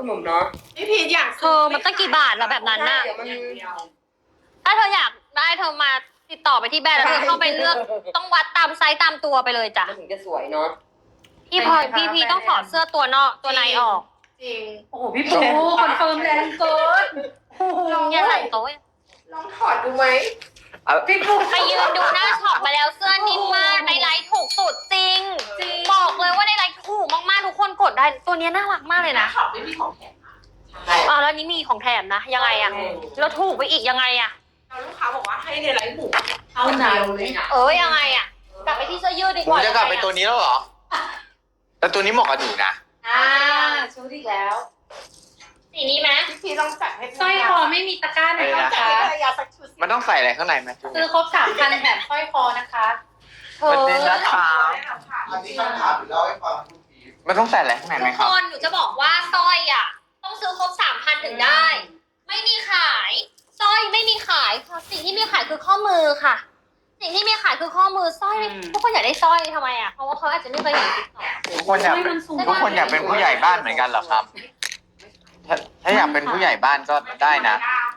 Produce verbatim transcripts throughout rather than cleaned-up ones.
คุณหนุ่มเนาะพี่พีทอยากเธอมันตั้งกี่บาทแล้วแบบนั้นน่ะเดี๋ยวมันถ้าเธออยากได้เธอมาติดต่อไปที่แบรนด์แล้วเธอเข้าไปเลือกต้องวัดตามไซส์ตามตัวไปเลยจ้ะมันถึงจะสวยเนาะพี่พลอยพี่พีต้องถอดเสื้อตัวนอกตัวในออกจริงโอ้โหพี่ปูคอนเฟิร์มแรงเกินอย่าใส่โต๊ะลองถอดดูไหมพี่ปูไปยืนดูหน้าช็อปมาแล้วเสื้อนิ่มมากในไลฟ์ถูกสุดจริง บอกเลยว่าในไลฟ์ถูกมากๆทุกคนกดได้ตัวนี้น่ารักมากเลยนะช็อปไม่มีของแถมอ๋อแล้วนี้มีของแถมนะยังไงอะแล้วถูกไปอีกยังไงอะเราลูกค้าบอกว่าให้ในไลฟ์หมูเอาหนาวเลยนะเออยังไงอะกลับไปที่เสื้อยืดดีกผมว่าจะกลับไปตัวนี้แล้วเหรอแต่ตัวนี้เหมาะกับหนูนะอ่าชุดอีกแล้วสีนี้ไหมพี่พีทลองจัดให้สร้อยคอไม่มีตะกร้าไหนอะไรนะนะจัดคะให้ภรรยาสักชุดมันต้องใส่อะไรข้างในไหมจุ๊บซื้อครบสามพันแบบสร้อยคอนะคะเธอประเด็นนะคะอันนี้คำถามอยู่แล้วให้ฟังคุณพีทมันต้องใส่อะไรข้างในไหมทุกครัคบนหนูจะบอกว่าสร้อยอะต้องซื้อครบสามพันถึงได้ ไม่มีขายสร้อยไม่มีขายค่ะสิ่งที่มีขายคือข้อมือค่ะ สิ่งที่มีขายคือข้อมือสร้อยทุกคนอยากได้สร้อยทำไมอะเพราะว่าเขาอาจจะไม่เคยเห็นติ๊กต็อกทุกคนอยากเป็นทุกคนอยากเป็นผู้ใหญ่บ้านเหมือนกันเหรอครับ ถ้าถ้าอยากเป็นผู้ใหญ่บ้านก็ได้นะ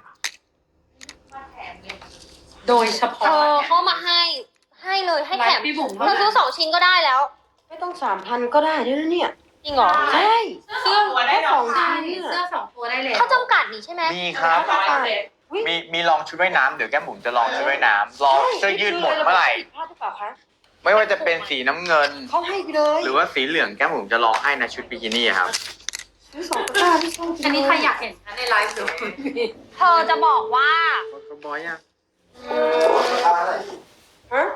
โดยเฉเธพาะอเข้ามาให้ให้เลยให้ไลแถมฟ์พี่บุ๋มเธอซื้อสองชิ้นก็ได้แล้วไม่ต้องสามพันก็ได้ด้วยนะเนี่ยจริงเหรอใช่เสื้อตัวได้สองใช่ชิ้นเสื้อสองตัวได้เลยเขาจำกัดนี่ใช่ไหมมีครับ มีมีลองชุดว่ายน้ำเดี๋ยวแก้มบุ๋มจะลองชุดว่ายน้ำลองเสื้อยืดหมดเมื่อไหร่พลาดหรือเปล่าคะไม่ว่าจะเป็นสีน้ำเงินเขาให้ไปเลยหรือว่าสีเหลืองแก้มบุ๋มจะลองให้นะชุดบิกินี่ครับซื้อสองตะกร้าที่ช่องอันนี้ใครอยากเห็นคะในไลฟ์ดูเธอจะบอกว่าก็บอยอ่ะฮะ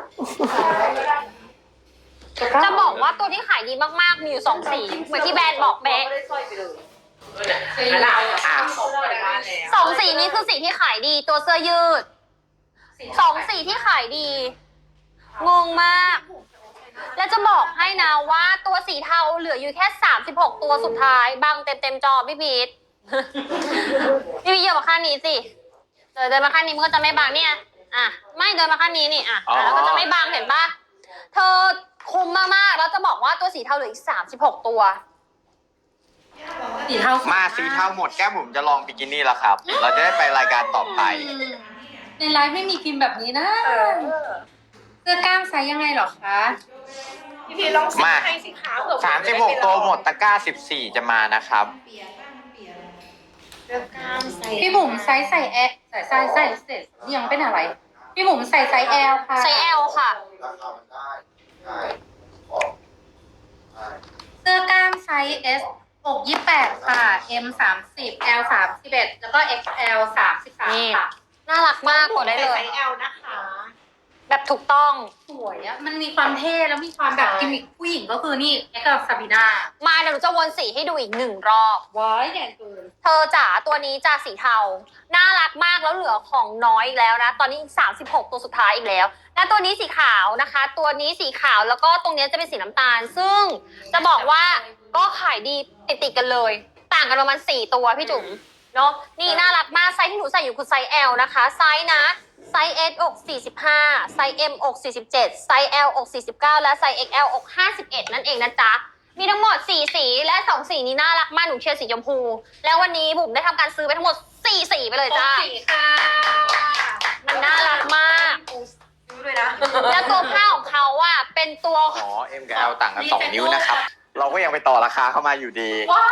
จะบอกว่าตัวที่ขายดีมากๆมีอยู่สองสีเหมือนที่แบรนด์บอกเป๊ะไม่ได้สร้อยไปเลยหนาวอ่ะส่งไปบ้านแล้วสองสีนี้คือสีที่ขายดีตัวเสื้อยืดสองสีที่ขายดี งงมาก และจะบอกให้นะว่าตัวสีเทาเหลืออยู่แค่สามสิบหกตัวสุดท้ายบังเต็มเต็มๆจอพี่พีท พี่พีทเยอะมาข้างนี้สิเดินเดินมาข้างนี้มันก็จะไม่บังเนี่ยอ่ะไม่เดินมาข้างนี้นี่อ่ะอ่ะแล้วก็จะไม่บังเห็นปะเธอคุ้มมากๆแล้วจะบอกว่าตัวสีเทาเหลืออีกสามสิบหกตัวสีเทามาสีเทาหมดแก้มบุ๋มจะลองบิกินี่แล้วครับ เราจะได้ไปรายการต่อไปในไลฟ์ไม่มีกินแบบนี้นะเสื้อกล้ามไซส์ยังไงเหรอคะพี่พีทลองซื้อให้สิคะเผื่อสามสิบหกตัวหมดตะกร้าสิบสี่จะมานะครับเลือกกล้ามใส่พี่บุ๋มไซส์ใส่แอลใส่ไซส์ใส่เสร็จยังเป็นอะไร พี่บุ๋มใส่ไซส์แอลค่ะไซส์ L ค่ะราคามันได้ได้ของได้เสื้อกล้ามไซส์ S อกยี่สิบแปดค่ะ M สามสิบ L สามสิบเอ็ดแล้วก็ เอ็กซ์ แอล สามสิบสามนี่ค่ะน่ารักมากกดได้เลยไซส์ L นะคะแบบถูกต้องสวยอะมันมีความเท่แล้วมีความแบบกิมมิคผู้หญิงก็คือนี่เอ็กซ์กับซาบีนามาเดี๋ยวหนูจะวนสีให้ดูอีกหนึ่งรอบว้ายแดงเกินเธอจ๋าตัวนี้จะสีเทา น่ารักมากแล้วเหลือของน้อยอีกแล้วนะ ตอนนี้อีกสามสิบหกตัวสุดท้ายอีกแล้ว และตัวนี้สีขาวนะคะ ตัวนี้สีขาวแล้วก็ตรงนี้จะเป็นสีน้ำตาล ซึ่งจะบอกว่าก็ขายดีติดติดๆกันเลย ต่างกันประมาณสี่ตัวพี่จุ๋มเนาะนี่น่ารักมากไซส์ที่หนูใส่อยู่คือไซส์ L นะคะไซส์นะไซส์ S อกสี่สิบห้าไซส์ M อกสี่สิบเจ็ดไซส์ L อกสี่สิบเก้าและไซส์ เอ็กซ์ แอล อกห้าสิบเอ็ดนั่นเองนะจ๊ะมีทั้งหมดสี่สีและสองสีนี้น่ารักมากหนูเชียร์สีชมพูแล้ววันนี้บุ๋มได้ทำการซื้อไปทั้งหมดสี่สีไปเลยจ้าสีค่ะมันน่ารักมากซื้อเลยนะแล้วตัวผ้าของเขาอ่ะเป็นตัวอ๋อ M กับ L ต่างกันสองนิ้วนะครับ เราก็ยังไปต่อราคาเข้ามาอยู่ดีว้าย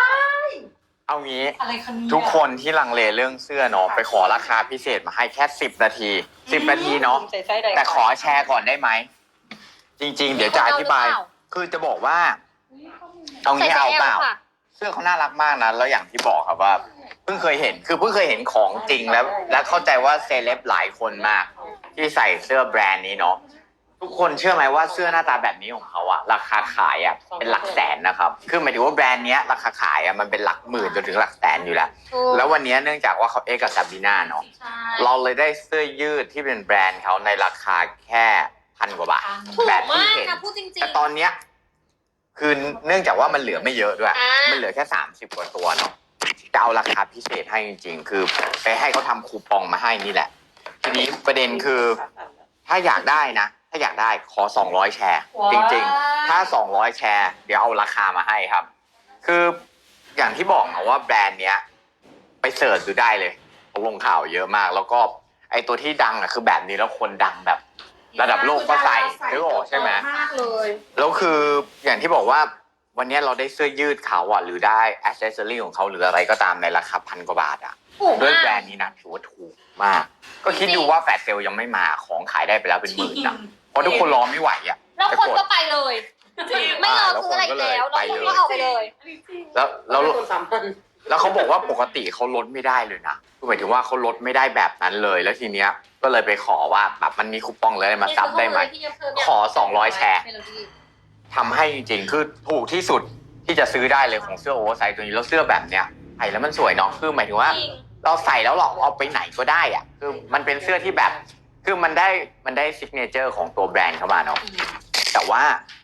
เอางี้อะไรคะเนี่ยทุกคนที่ลังเลเรื่องเสื้อเนาะไปขอราคาพิเศษมาให้แค่สิบนาทีสิบนาทีเนาะใส่ไซส์ใดแต่ขอแชร์ก่อนได้ไหม จริง ๆ เดี๋ยวจะอธิบายเอาหรือเปล่าคือจะบอกว่า เอาใส่งี้ไซเอาส์เปล่า L ค่ะเสื้อเขาน่ารักมากนะแล้วอย่างที่บอกครับว่า เพิ่งเคยเห็นคือเพิ่งเคยเห็นของจริงแล้ว และเข้าใจว่าเซเลบหลายคนมาก ที่ใส่เสื้อแบรนด์นี้เนาะทุกคนเชื่อไหมว่าเสื้อหน้าตาแบบนี้ของเขาอะราคาขายอะเป็นหลักแสนนะครับคือหมายถึงว่าแบรนด์เนี้ยราคาขายอะมันเป็นหลักหมื่นจนถึงหลักแสนอยู่แล้วถูกแล้ววันนี้เนื่องจากว่าเขาเอ็กกับซาบีนาเนาะใช่เราเลยได้เสื้อยืดที่เป็นแบรนด์เขาในราคาแค่พันกว่าบาทถูกแบบที่มากเห็นนะพูดจริงแต่ตอนเนี้ยคือเนื่องจากว่ามันเหลือไม่เยอะด้วยอ่ามัมันเหลือแค่สามสิบกว่าตัวเนาะจะเอาราคาพิเศษให้จริงๆ คือไปให้เขาทำคูปองมาให้นี่แหละ ทีนี้ประเด็นคือถ้าอยากได้นะ ถ้าอยากได้ขอสองร้อยแชร์ จริงๆ ถ้าสองร้อยแชร์ เดี๋ยวเอาราคามาให้ครับ คืออย่างที่บอกนะว่าแบรนด์เนี้ยไปเสิร์ชดูได้เลยลงข่าวเยอะมาก แล้วก็ไอตัวที่ดังอะคือแบบนี้แล้วคนดังแบบ ระดับโลกก็ใส่นึกออกใช่ไหมมากเลยแล้วคืออย่างที่บอกว่าวันนี้เราได้เสื้อยืดเขาอ่ะหรือได้แอคเซสซอรี่ของเขาหรืออะไรก็ตามในราคาพันกว่าบาทอ่ะถูกด้วยมาแบรกนด์นี้นะถือว่าถูกมาก ก็คิดดูว่าแฟลชเซลยังไม่มาของขายได้ไปแล้วเป็นหมื่นอ่ะเพราะทุกคนรอไม่ไหวอ่ะแล้วคนก็ไปเลย ไม่รอแล้วซื้ออะไรอีกแล้วไปแล้วเลยคนก็เอาไปเลยแล้วแล้วต้นสามพันแล้วเขาบอกว่าปกติเขาลดไม่ได้เลยนะคือหมายถึงว่าเขาลดไม่ได้แบบนั้นเลย แล้วทีเนี้ยก็เลยไปขอว่าแบบมันมีคูปองเลยมาซับได้ไหมขอสองร้อยแชร์ทำให้จริงๆคือถูกที่สุดที่จะซื้อได้เลยของเสื้อโอเวอร์ไซส์ตัวนี้แล้วเสื้อแบบเนี้ยใส่แล้วมันสวยเนาะคือหมายถึงว่าจริงเราใส่แล้วเราเอาไปไหนก็ได้อะคือมันเป็นเสื้อที่แบบ คือมันได้มันได้ซิกเนเจอร์ของตัวแบรนด์เข้ามาเนาะแต่ว่า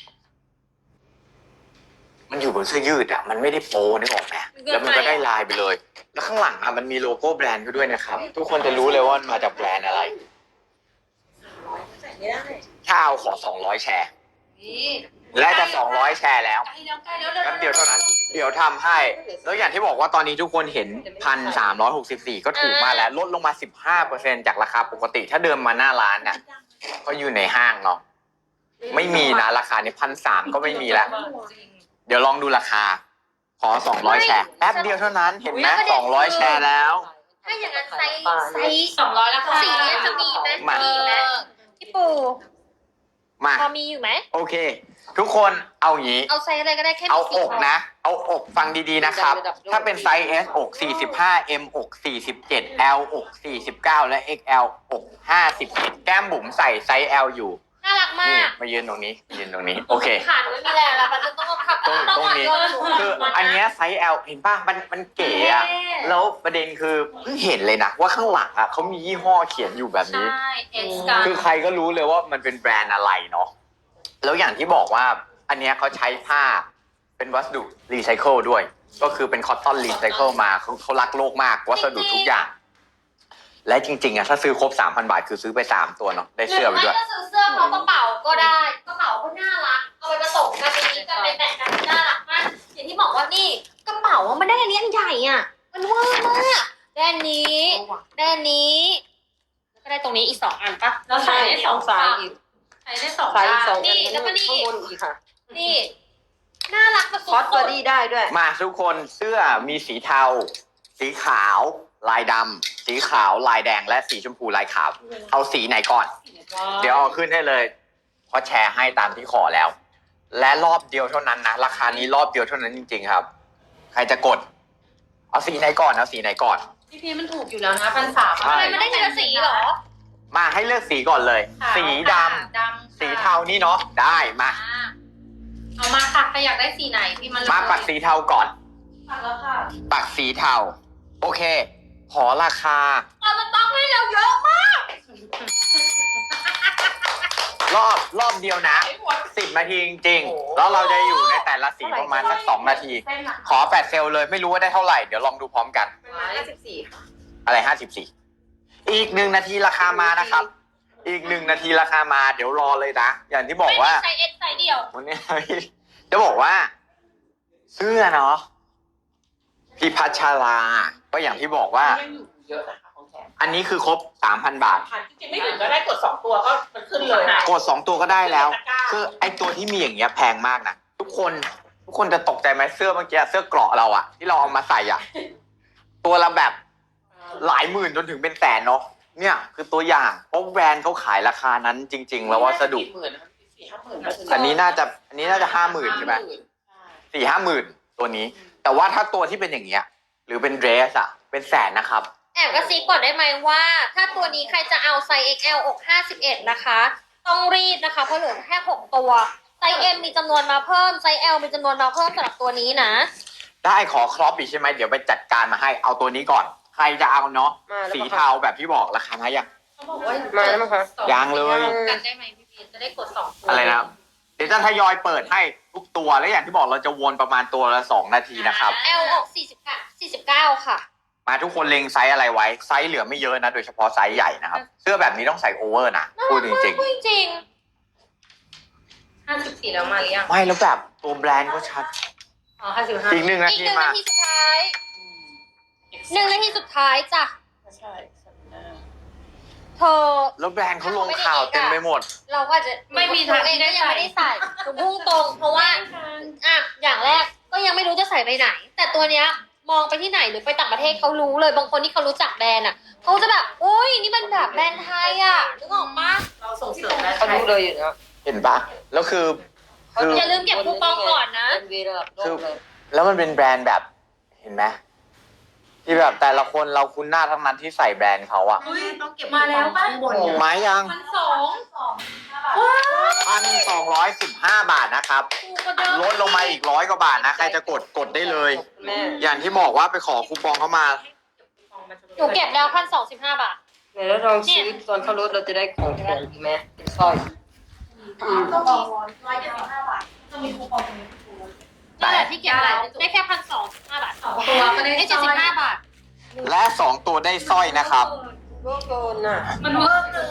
มันอยู่บนเสื้อยืดอะมันไม่ได้โปนึกออกไหมแล้วมันก็ได้ลายไปเลย แล้วข้างหลังอะมันมีโลโก้แบรนด์ก็ด้วยนะครับ ทุกคนจะรู้เลยว่ามันมาจากแบรนด์อะไรใส่ไม่ได้ถ้าเอาขอสองร้อยแชร์ และจะสองร้อยแชร์แล้วแป๊บเดียวเท่านั้น เดี๋ยวทำให้ แล้วอย่างที่บอกว่าตอนนี้ทุกคนเห็น หนึ่งพันสามร้อยหกสิบสี่ ก็ถูกมากแล้วลดลงมา สิบห้าเปอร์เซ็นต์ จากราคาปกติ ถ้าเดิมมาหน้าร้านน่ะก็อยู่ในห้างเนาะไม่มีนะราคานี้พันสามก็ไม่มีแล้ว เดี๋ยวลองดูราคา ขอสองร้อยแชร์แป๊บเดียวเท่านั้นเห็นไหมสองร้อยแชร์แล้วถ้าอย่างนั้นไซส์ไซส์สองร้อยแล้วค่ะสีนี้จะมีไหมมามีมีไหมพี่ปูมาพอมีอยู่ไหมโอเค ทุกคนเอาอย่างนี้เอาไซส์อะไรก็ได้แค่มีเอาสีอกนะ เอาอกฟังดีๆนะครับ ถ้าเป็นไซส์ S อก สี่สิบห้า M อก สี่สิบเจ็ด L อก สี่สิบเก้า และ เอ็กซ์ แอล อก ห้าสิบเอ็ด แก้มบุ๋มใส่ไซส์ L อยู่น่ารักมานี่กมายืนตรงนี้มายืนตรงนี้ โอเคขาดไม่มีแรงแล้วมันจะต้องขับตรงตรงนี้ คืออันเนี้ยไซส์ L เห็นป่ะ มันมันเก๋อะแล้วประเด็นคือเพิ่งเห็นเลยนะ ว่าข้างหลังอะเขามียี่ห้อเขียนอยู่แบบนี้ใช่เอ็กซ์กันคือใครก็รู้เลยว่ามันเป็นแบรนด์อะไรเนาะ แล้วอย่างที่บอกว่าอันเนี้ยเขาใช้ผ้าเป็นวัสดุรีไซเคิลด้วย ก็คือเป็นคอตตอนรีไซเคิลมาเขาเขารักโลกมากวัสดุทุกอย่าง และจริงๆอะถ้าซื้อครบ สามพัน บาทคือซื้อไปสามตัวเนาะ ได้หรืเสื้ออไปไม่ด้วยก็ซื้อเสื้อพร้อมกระเป๋าก็ได้ กระเป๋าก็น่ารัก เอาไปผสมกันในนี้กันไปแต่งกันน่ารักมาก อย่างที่บอกว่านี่กระเป๋าอะมันได้อันนี้อันใหญ่อ่ะ มันเวอร์มากได้อันนี้ได้อันนี้แล้วก็ได้ตรงนี้อีกสองอันปะแล้วใส่ได้สองสาฝั่ยงอีกใส่ได้สองสายอีกสด้าองนอันข้างบนอีกค่ะนี่ น่ารักแบบคอสสุบอดดี้ได้ด้วยมาทุกคนเสื้อมีสีเทา สีขาว ลายดำสีขาวลายแดงและสีชมพูลายขาว เอาสีไหนก่อน เดี๋ยวเอาขึ้นให้เลยเพราะแชร์ให้ตามที่ขอแล้ว และรอบเดียวเท่านั้นนะราคานี้รอบเดียวเท่านั้นจริง ๆ ครับ ใครจะกด เอาสีไหนก่อนเอาสีไหนก่อนพี่พีมันถูกอยู่แล้วนะพันสามใช่ๆทำไมมันได้ทีละสีเหรอมาให้เลือกสีก่อนเลย สีดำดำสีเทานี่เนาะได้มาอ่าเอามาค่ะใครอยากได้สีไหนพี่มันมาปักสีเทาก่อนปักแล้วค่ะปักสีเทาโอเค ขอราคาเราจะต้องให้เราเยอะมากรอบรอบเดียวนะสิบนาทีจริงๆแล้วเราจะอยู่ในแต่ละสีประมาณสักสองนาทีเส้นหลังขอแปดเซลลเลยไม่รู้ว่าได้เท่าไหร่เดี๋ยวลองดูพร้อมกันห้าสิบสี่อะไรห้าสิบสี่อีกหนึ่งนาทีราคามานะครับ อีกหนึ่งนาทีราคามาเดี๋ยวรอเลยนะอย่างที่บอกว่าไม่มีไซส์เอ็กซ์ไซส์เดียววันนี้จะบอกว่า เสื้อเนาะพี่พัชราก็อย่างที่บอกว่ายังอยู่เยอะนะคะของแถมอันนี้คือครบสามพันบาทพันจริงๆไม่ถึงก็ได้กดสองตัวก็มันขึ้นเลยกดสองตัวก็ได้แล้วตะกร้าคือไอตัวที่มีอย่างเงี้ยแพงมากนะทุกคนทุกคนจะตกใจไหมเสื้อเมื่อกี้เสื้อเกราะเราอะที่เราเอามาใส่อะตัวละแบบหลายหมื่นจนถึงเป็นแสนเนาะเนี่ยคือตัวอย่างเพราะแบรนด์เขาขายราคานั้นจริง ๆ แล้ววัสดุสี่หมื่นนะครับสี่ห้าหมื่นอันนี้น่าจะอันนี้น่าจะห้าหมื่นใช่ไหมสี่ห้าหมื่นตัวนี้ แต่ว่าถ้าตัวที่เป็นอย่างเงี้ยหรือเป็นเดรสอะเป็นแสนนะครับแอบกระซิบก่อนได้ไหมว่า ถ้าตัวนี้ใครจะเอาไซส์ เอ็กซ์ แอล อก ห้าสิบเอ็ด นะคะ ต้องรีบนะคะ เพราะเหลือแค่หกตัว ไซส์ M มีจำนวนมาเพิ่ม ไซส์ L มีจำนวนมาเพิ่มสำหรับตัวนี้นะได้ขอครอปอีกใช่ไหมเดี๋ยวไปจัดการมาให้เอาตัวนี้ก่อน ใครจะเอาเนาะมาแล้วสีปะคะเทาแบบที่บอกราคานะยังเขาบอกว่ามาแล้วมั้งคะสอยังเลยกันได้ไหมพี่พีจะได้กดสองตัวอะไรนะครับเดี๋ยวจะทยอยเปิดให้ทุกตัวแล้วอย่างที่บอกเราจะวนประมาณตัวละสองนาทีนะครับ L อก สี่สิบเก้า สี่สิบเก้า ค่ะมาทุกคนเล็งไซส์อะไรไว้ไซส์เหลือไม่เยอะนะโดยเฉพาะไซส์ใหญ่นะครับเสื้อแบบนี้ต้องใส่โอเวอร์นะพูดจริงพูดจริงห้าสิบสี่แล้วมาหรือยังๆไม่แล้วแบบตัวแบรนด์ก็ชัดอ๋อห้าสิบห้าอีกหนึ่งนาอีกทีหนึ่งมานาทีสุดท้ายหนึ่งนาทีสุดท้ายจ้ะใช่สัปดาห์เธอแล้วแบรนด์เขาลงข่าวเต็มไปหมดเราก็อาจจะไม่มีหนูทางเอที่งได้ก็ยังใส่ไม่ได้ใส่หนูพุ่งตรง เพราะว่าอ่ะอย่างแรกก็ยังไม่รู้จะใส่ไปไหน แต่ตัวเนี้ยมองไปที่ไหนหรือไปต่างประเทศเขารู้เลยบางคนที่เขารู้จักแบรนด์อ่ะเขาจะแบบอุ้ยนี่มันแบบแบรนด์ไทยอ่ะนึกออกปะเราส่งเสริมนะเขารู้เลยอยู่นะเห็นปะแล้วคือคืออย่าลืมเก็บคูปองก่อนนะเป็นวีระดับโลกเลยแล้วมันเป็นแบรนด์แบบเห็นไหมที่แบบแต่ละคนเราคุ้นหน้าทั้งนั้นที่ใส่แบรนด์เขาอะต้องเก็บมาแล้วป่ะข้างบนไม้ยังพันสองพันสองร้อยสิบห้าบาทนะครับถูกกว่าเดิมลดลงมาอีกร้อยกว่าบาทนะใครจะกดกดได้เลยแม่อย่างที่บอกว่าไปขอคูปองเข้ามาหนูเก็บแล้วพันสองสิบห้าบาทเดี๋ยวเราลองซื้อตอนเขาลดเราจะได้ของแถมอีกไหมเป็นสร้อยต้องมีร้อยเจ็ดสิบห้าบาทต้องมีคูปองตรงนี้นั่นแหละที่เก็บอะไรได้แค่พันสองสิบห้าบาทสองตัวก็ได้ได้เจ็ดสิบห้าบาทและสองตัวได้สร้อยนะครับโลกโดนอ่ะมันเวิร์กเลย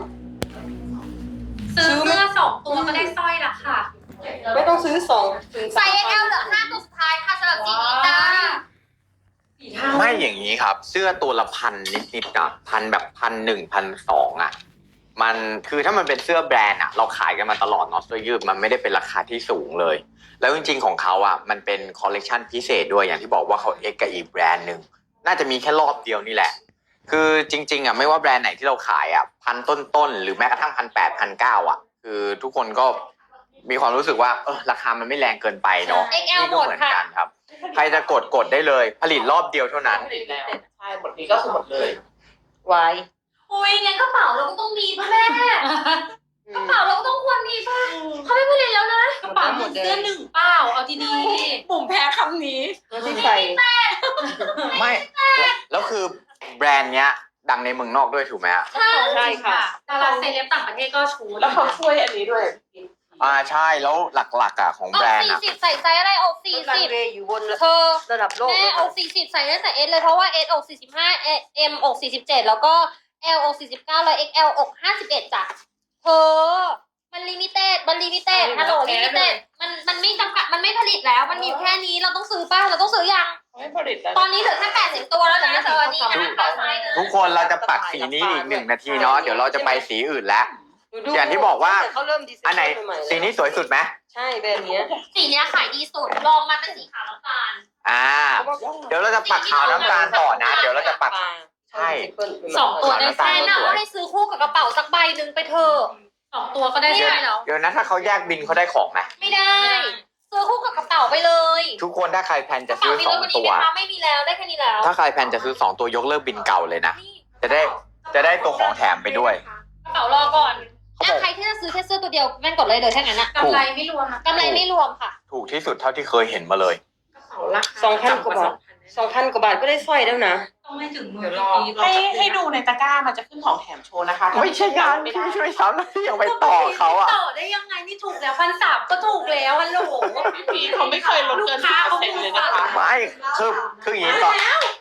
ซื้อเสื้อสองตัวก็ได้สร้อยละค่ะไม่ต้องซื้อสองถึงไซส์ เอ็กซ์ แอล เหลือห้าตัวสุดท้ายค่ะสำหรับสีนี้จ้าไม่อย่างนี้ครับ เสื้อตัวละพันนิดๆอะพันแบบพันหนึ่งพันสองอะมันคือถ้ามันเป็นเสื้อแบรนด์อะเราขายกันมาตลอดเนาะเสื้อยืดมันไม่ได้เป็นราคาที่สูงเลย แล้วจริงๆของเขาอะมันเป็นคอลเลกชันพิเศษด้วยอย่างที่บอกว่าเขาเอ็กกับอีกแบรนด์หนึ่งน่าจะมีแค่รอบเดียวนี่แหละ คือจริงๆอะไม่ว่าแบรนด์ไหนที่เราขายอะพันต้นๆหรือแม้กระทั่งพันแปดพันเก้าอะคือทุกคนก็มีความรู้สึกว่าเออราคามันไม่แรงเกินไปเนาะเอ็กซ์ แอลนี่ก็เหมือนกันครับ ใครจะกดกดได้เลย ผลิตรอบเดียวเท่านั้นผลิตแล้วใช่หมดนี้ก็คือหมดเลยไว้อุ้ยงั้นกระเป๋าเราก็ต้องมีป่ะแม่กระเป๋าเราก็ต้องควรมีป่ะเขาไม่ผลิตแล้วนะกระเป๋าหมดเสื้อหนึ่งเปล่าเอาดีปุ่มแพ้คำนี้แล้วที่ใส่ไม่แล้วคือแบรนด์เนี้ยดังในเมืองนอกด้วยถูกไหมฮะๆใช่ค่ะดาราเซเลบต่างประเทศก็ชูแล้วเขาช่วยอันนี้ด้วยอ่าใช่แล้วหลักๆอ่ะของอแบอรกนด์สี่อ่ะสิบใส่ไซส์อะไรอกสี่รันสิบเวย์อยู่บนเธอระดับโลกแม่อกสี่สิบใส่ได้แต่เอสเลยเพราะว่าเอสอกสี่สิบห้าเอ็มอกสี่สิบเจ็ดแล้วก็เอลอกสี่สิบเก้าแล้วเอ็กแอลอกห้าสิบเอ็ดจ้ะเธอมันลิมิเต็ดมันลิมิเต็ดฮัลโหลลิมิเต็ดมันมันไม่จำกัดมันไม่ผลิตแล้วมันมีอยู่แค่นี้เราต้องซื้อป่ะเราต้องซื้อยังไม่ผลิตแล้วตอนนี้เหลือแค่แปดสิบตัวแล้วนะเธอนี่นะตาไซส์หนึ่งทุกคนเราจะปักสีนี้อีกหนึ่งนาทีเนาะเดี๋ยวเราจะไปสีอื่นแล้ว อย่างที่บอกว่าแต่เขาเริ่มดีไซน์อันไหนใม่ๆสีนี้สวยสุดไหมใช่แบรนด์เนี้ยสีเนี้ยขายดีสุดลองมาเป็นสีขาวน้ำตาลอ่า เดี๋ยวเราจะปักขาวน้ำตาลต่อนะ เดี๋ยวเราจะปัก ใช่สองตัวได้แฟนน่ะว่าให้ซื้อคู่กับกระเป๋าสักใบหนึ่งไปเถอะสองตัวก็ได้ไม่ใช่ได้แล้วเดี๋ยวนะถ้าเขาแยกบินเขาได้ของไหมไม่ได้ ซื้อคู่กับกระเป๋าไปเลยทุกคนถ้าใครแพลนกจะระเป๋าซื้อมีสเลอย งวันนี้ตัไหวมคะไม่มีแล้วได้แค่นี้แล้วถ้าใครแพลนจะซื้อสองตัวยกเลิกบินเก่าเลยนะ จะได้จะได้ตัวของแถมไปด้วยกระเป๋ารอก่อนอ่ะใครที่จะซื้อแค่เสื้อตัวเดียวแม่งกดเลยเลยแค่นั้นนะกำไรไม่รวมนะกำไรไม่รวมค่ะถูกที่สุดเท่าที่เคยเห็นมาเลยสองพันกว่าบาทสองพันกว่าบาทก็ได้สร้อยแล้วนะต้องไม่ถึงมือเดี๋ยวรอพี่ให้ให้ดูในตะกร้ามันจะขึ้นของแถมโชว์นะคะไม่ใช่งานพี่ช่วยซ้ำแล้วพี่ยังไปต่อเขาอ่ะต่อได้ยังไงนี่ถูกแล้วพันสามก็ถูกแล้วฮัลโหลพี่พีเขาไม่เคยลดเกินสิบเปอร์เซ็นต์เลยนะคะไม่คือคืออย่างนี้ก่อน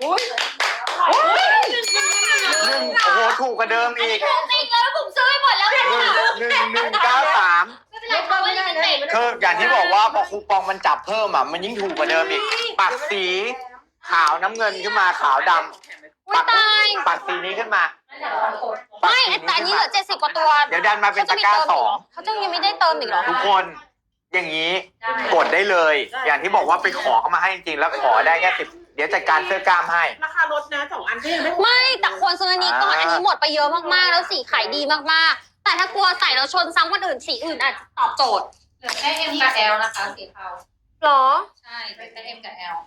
หนึ่งโอ้โหถูกกว่าเดิมอีกถูกจริงแล้วผมซื้อไปหมดแล้วเนี่ยหนึ่งหนึ่งหนึ่งเก้าสามไม่เป็นไรค่ะไม่ได้เต็มคืออย่างที่บอกว่าพอคูปองมันจับเพิ่มอ่ะมันยิ่งถูกกว่าเดิมอีกปักสีขาวน้ำเงินขึ้นมาขาวดำอุ้ยปักตายปักสีนี้ขึ้นมาปักไม่สีแต่อันนี้ขึ้เหลือเจ็ดสิบกว่าตัวเดี๋ยวดันมาเป็นตะกร้าสองเขาจะยังไม่ได้เติมอีกเหรอทุกคนอย่างนี้กดได้เลย อย่างที่บอกว่าไปขอเขามาให้จริงๆแล้วขอได้แค่สิบเดี๋ยวจัดการเสื้อกล้ามให้ราคาลดนะสองอันก็ยังไม่ไม่แต่ควรซื้ออันนี้ก่อนอ่าอันนี้หมดไปเยอะมากๆ แล้วสีขายดีมากๆ แต่ถ้ากลัวใส่แล้วชนซ้ำคนอื่นสีอื่นอาจจะตอบโจทย์เหลือแค่ M กับ L นะคะสีเทาหรอใช่เหลือแค่ M กับ L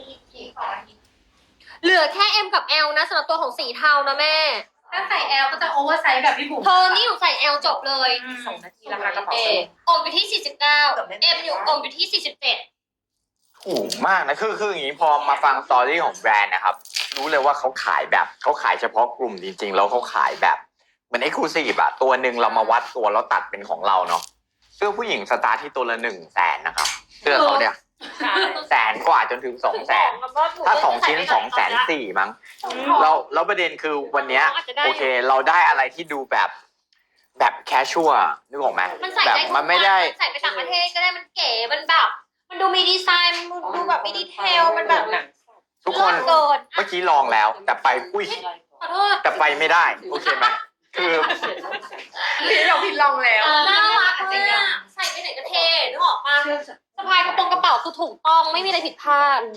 เหลือแค่ M กับ L นะสำหรับตัวของสีเทานะแม่ถ้าใส่ L ก็จะโอเวอร์ไซส์แบบพี่บุ๋มเธอนี่หนูใส่ L จบเลยสองนาทีราคากระเป๋าเออกอยู่ที่สี่สิบเก้า M อยู่อกอยู่ที่สี่สิบเจ็ดถูกมากนะคือคืออย่างนี้พอมาฟังสตอรี่ของแบรนด์นะครับ รู้เลยว่าเขาขายแบบเขาขายเฉพาะกลุ่มจริงๆ แล้วเขาขายแบบเหมือนเอ็กซ์คลูซีฟอะตัวหนึ่งเรามาวัดตัวแล้วตัดเป็นของเราเนาะเสื้อผู้หญิงสตาร์ทที่ตัวละหนึ่งแสนนะครับเสื้อเขาเนี่ยแสนกว่าจนถึงสองแสนถ้าสองชิ้นสองแสนสี่มั้งเราแล้วประเด็นคือวันเนี้ยโอเค เราได้อะไรที่ดูแบบแบบแคชชัวนึกออกไหมมันใส่แบบได้ทุกมันไม่ได้วันใส่ไปต่างประเทศก็ได้มันเก๋มันแบบมันดูมีดีไซน์มันดูแบบมีดีเทลมันแบบทุกคนเกินเมื่อกี้ลองแล้ว แต่ไปอุ้ยขอโทษแต่ไปไม่ได้โอเคไหมคือพี่เราพี่ลองแล้วน่ารักมากใส่ไปไหนก็เท่นึกออกปะสะพายกระโปรงกระเป๋าคือถูกต้องไม่มีอะไรผิดพลาด